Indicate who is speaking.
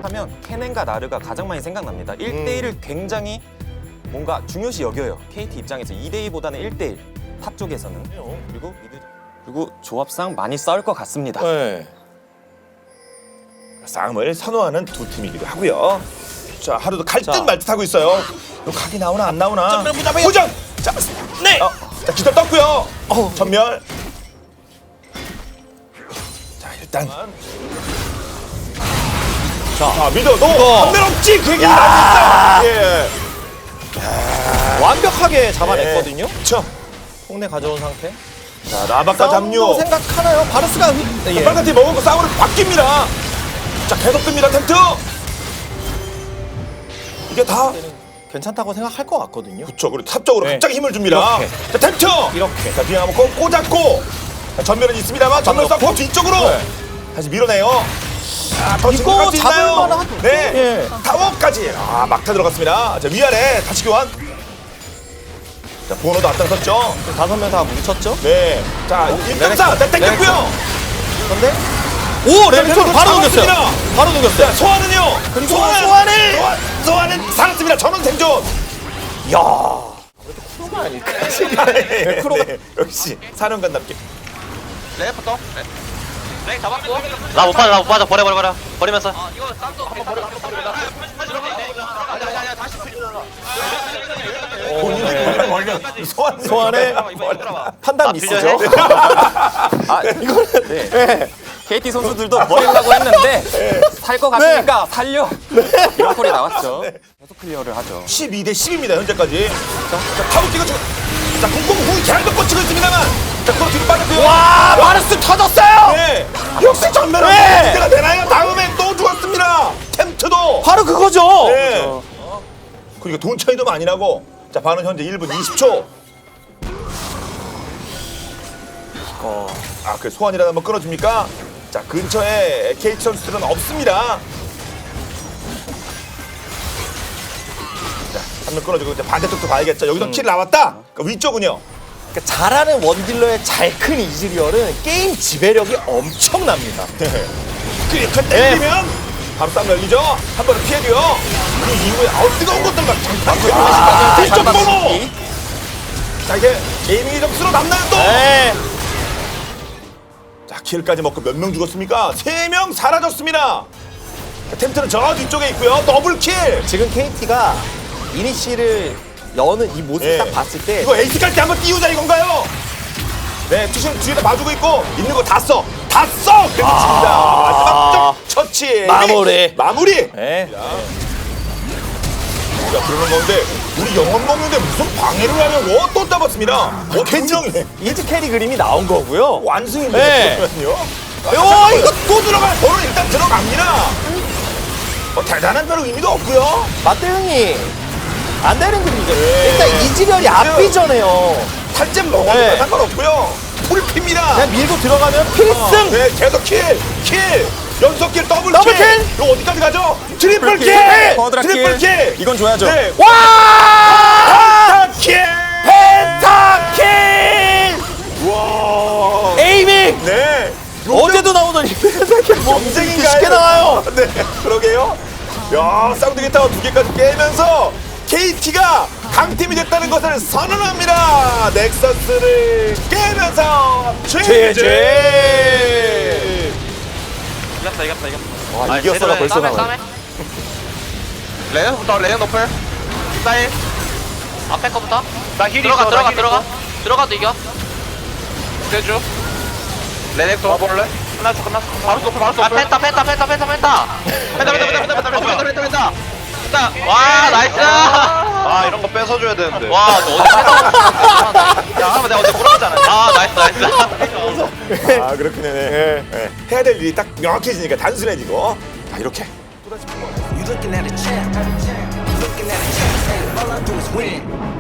Speaker 1: 하면 케넨과 나르가 가장 많이 생각납니다. 1대1을 굉장히 뭔가 중요시 여겨요. KT 입장에서 2대2보다는 1대1 탑 쪽에서는. 그리고 조합상 많이 싸울 것 같습니다.
Speaker 2: 네. 싸움을 선호하는 두 팀이기도 하고요. 자, 하루도 갈 듯 말 듯 하고 있어요. 이거 각이 나오나 안 나오나? 도전! 자, 네! 자, 기절 떴고요. 전멸. 자, 일단. 자, 미드. 너 전멸 없지? 그 얘기 나왔어. 예.
Speaker 3: 완벽하게 잡아냈거든요.
Speaker 2: 그렇죠.
Speaker 3: 폭내 가져온 상태.
Speaker 2: 자, 라바카
Speaker 3: 싸움도
Speaker 2: 담요.
Speaker 3: 생각하나요? 바루스가 예.
Speaker 2: 빨간 팀 먹은 거 싸움으로 바뀝니다. 자, 계속 뜹니다, 템트. 이게 다
Speaker 3: 괜찮다고 생각할 것 같거든요.
Speaker 2: 그쵸. 그리고 탑쪽으로
Speaker 3: 네.
Speaker 2: 갑자기 힘을 줍니다.
Speaker 3: 이렇게.
Speaker 2: 자, 템트.
Speaker 3: 이렇게.
Speaker 2: 자, 비행 한번 꽂았고. 자, 전면은 있습니다만 전면 쌓고 뒤쪽으로 다시 밀어내요. 아, 더
Speaker 3: 이거
Speaker 2: 진격할 수 있나요?
Speaker 3: 잡을 만한-
Speaker 2: 네.
Speaker 3: 예.
Speaker 2: 타워까지. 아, 막타 들어갔습니다. 자, 위아래 다시 교환. 자, 보너도 앞장섰죠.
Speaker 3: 5명 다 뭉쳤죠?
Speaker 2: 네. 자, 1.4. 자, 땡겼고요.
Speaker 3: 근데 오! 레벨톤 바로 넘겼어요.
Speaker 2: 잡았습니다.
Speaker 3: 바로 넘겼어요.
Speaker 2: 자, 소환은요.
Speaker 3: 그리고 소환을!
Speaker 2: 소환은 살았습니다. 전원 생존.
Speaker 3: 야. 프로가 아닐까?
Speaker 2: 네, 역시 사령관답게.
Speaker 4: 레이부터 레이 잡았고 나 못 빠져 버리면서 이거 쌈도 한번 버려 아니야 다시
Speaker 2: 본인이 걸려.
Speaker 3: 소환에 판단 미스죠?
Speaker 1: 이거는 네. KT 선수들도 버리려고 했는데 살 것 같으니까 살려. 이런 콜이 나왔죠. 계속 클리어를 하죠.
Speaker 2: 12대 10입니다 현재까지. 자, 타고 찍어주고. 자, 공공 후이 계속 꽂히고 있습니다만. 자, 그거 뒤로 빠졌고요.
Speaker 3: 와! 바루스 터졌어요!
Speaker 2: 네. 역시 전면은
Speaker 3: 네.
Speaker 2: 문제가 되나요? 다음에 또 죽었습니다. 템트도.
Speaker 3: 바로 그거죠.
Speaker 2: 네. 그리고 돈 차이도 많이 나고. 자, 반은 현재 1분 20초. 아, 그 소환이라도 한번 끊어줍니까? 자, 근처에 KT 선수들은 없습니다. 자, 한 명 끊어주고 이제 반대쪽도 봐야겠죠. 여기서 킬 나왔다. 그러니까 위쪽은요.
Speaker 3: 그러니까 잘하는 원딜러의 잘 큰 이즈리얼은 게임 지배력이 엄청납니다.
Speaker 2: 그렇게 때리면 바로 싸움 열리죠. 한 번은 피해줘요. 그 이후에 뜨거운 것들 막 장판 뒤쪽 번호. 자, 이제 게이밍이 점수로 남나요 또.
Speaker 3: 네.
Speaker 2: 자, 킬까지 먹고 몇 명 죽었습니까? 3명 사라졌습니다. 자, 템트는 저 뒤쪽에 있고요. 더블 킬.
Speaker 3: 지금 KT가 이니시를 여는 이 모습
Speaker 2: 예.
Speaker 3: 딱 봤을 때
Speaker 2: 이거 에이스 깔 때 한번 띄우자 이건가요? 네, 투신 뒤에다 봐주고 있고 있는 거 다 써. 다 써. 그렇게 칩니다. 마지막 처치. 마무리.
Speaker 3: 네.
Speaker 2: 자, 그러는 건데 우리 영혼 먹는데 무슨 방해를 하냐고 또 잡았습니다. 분명히
Speaker 3: 이즈 캐리 그림이 나온 거고요.
Speaker 2: 완승입니다.
Speaker 3: 네.
Speaker 2: 그러면요. 이거 또 들어가요. 번호 일단 들어갑니다. 대단한 별로 의미도 없고요.
Speaker 3: 맞대응이 안 되는 그림이죠.
Speaker 2: 네.
Speaker 3: 일단 이즈리얼이 앞비잖아요.
Speaker 2: 탈잼 먹어도
Speaker 3: 네.
Speaker 2: 상관없고요. 풀핍니다.
Speaker 3: 그냥 밀고 들어가면 필승.
Speaker 2: 네, 계속 킬. 연속 킬, 더블
Speaker 3: 더블
Speaker 2: 킬.
Speaker 3: 킬!
Speaker 2: 이거 어디까지 가죠? 트리플 킬.
Speaker 1: 쿼드라
Speaker 2: 트리플 킬.
Speaker 1: 이건 줘야죠.
Speaker 2: 네.
Speaker 3: 와!
Speaker 2: 킬.
Speaker 3: 펜타킬!
Speaker 2: 와.
Speaker 3: 에이밍!
Speaker 2: 네.
Speaker 3: 어제도 나오더니 펜타킬 뭐
Speaker 2: 경쟁인가요?
Speaker 3: 쉽게 나와요.
Speaker 2: 네, 그러게요. 야, 쌍둥이 타워 2개까지 깨면서 KT가 강팀이 됐다는 것을 선언합니다. 넥서스를 깨면서 최재.
Speaker 4: 이겼다
Speaker 3: 와, 이겼어가 벌써 나와요.
Speaker 4: 레이부터 레이 높을 스타일 앞에 거부터
Speaker 5: 나 힐이
Speaker 4: 들어가
Speaker 5: 있어, 나 힐 있어.
Speaker 4: 들어가도 이겨
Speaker 5: 대주.
Speaker 4: 레넥토
Speaker 5: 와볼래? 끝났어. 바로 높을, 바로
Speaker 4: 아
Speaker 5: 높을.
Speaker 4: 펜타 와 나이스
Speaker 5: 아, 이런 거 뺏어줘야 되는데.
Speaker 4: 와 너 어디 펜타 야 한번 내가 어제 물어봤잖아 아 나이스
Speaker 2: 아, 그렇군요. 네. 네. 해야 될 일이 딱 명확해지니까 단순해지고. 자, 이렇게.
Speaker 6: You looking at a champ. You looking at a champ. All I do is win.